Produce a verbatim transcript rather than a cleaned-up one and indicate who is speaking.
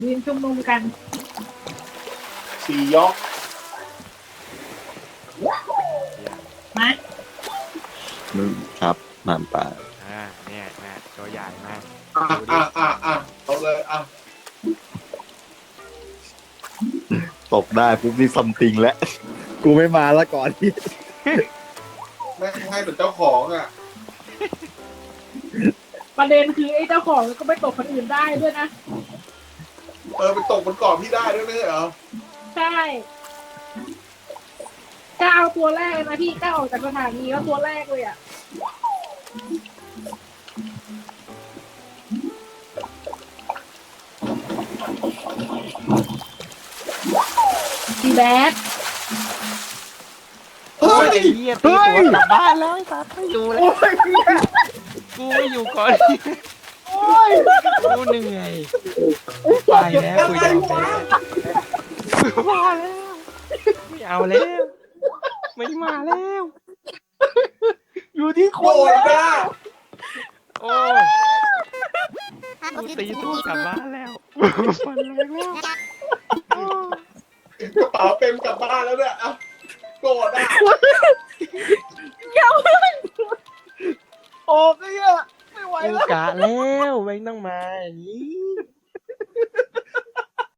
Speaker 1: ยืนชุมนุมกัน
Speaker 2: สี่ยก
Speaker 1: มา
Speaker 3: มึงครับหมานป่า
Speaker 4: อ่าเนี่ยนะตัวใหญ่มาก
Speaker 2: อ่ะอ่ะอ่ะอ่ะเอาเลยอ่ะ
Speaker 3: ตกได้ปุ๊บนี่ซัมติงแล้ว กูไม่มาแล้วก่อนที่
Speaker 2: แม่งให้เป็นเจ้าของอ่ะ
Speaker 1: ประเด็นคือไอ้เจ้าของก็ไปตกคนอื่นได้ด้วยนะ
Speaker 2: เออไปตกบนเกาะพี่ได้ด้วยไม่ใช่เหรอ
Speaker 1: ใช่กล้าเอาตัวแรกเลยนะพี่กล้าออกจากสถานีแล้วตัวแรกเลยอ่ะดีแบด
Speaker 4: เฮ้ยไอ้เหี้ยตีตัวกลับบ้านแล้วไอ้สัตว์ไม่อยู่แล้วกูไม่อยู่ก่อนกูเหนื่อยไปแล้วกูยอมแพ้กูพอแล้วไม่เอาแล้วไม่มาแล้ว
Speaker 3: อยู่ที่ค
Speaker 2: โกร
Speaker 3: น
Speaker 2: ธนะ
Speaker 4: โอ้ยกูตีตัวกลับบ้านแล้วฟันแรงแล้ว
Speaker 2: กระเป๋าเต็มกลับบ้านแล้วเนี่ยอ่ะโกรธอ่ะ
Speaker 3: ออกไอ้เหี้ยไม่ไหว
Speaker 4: กู
Speaker 3: แล้ว
Speaker 4: กะแล้วไม่ต้องมาอย่างนี้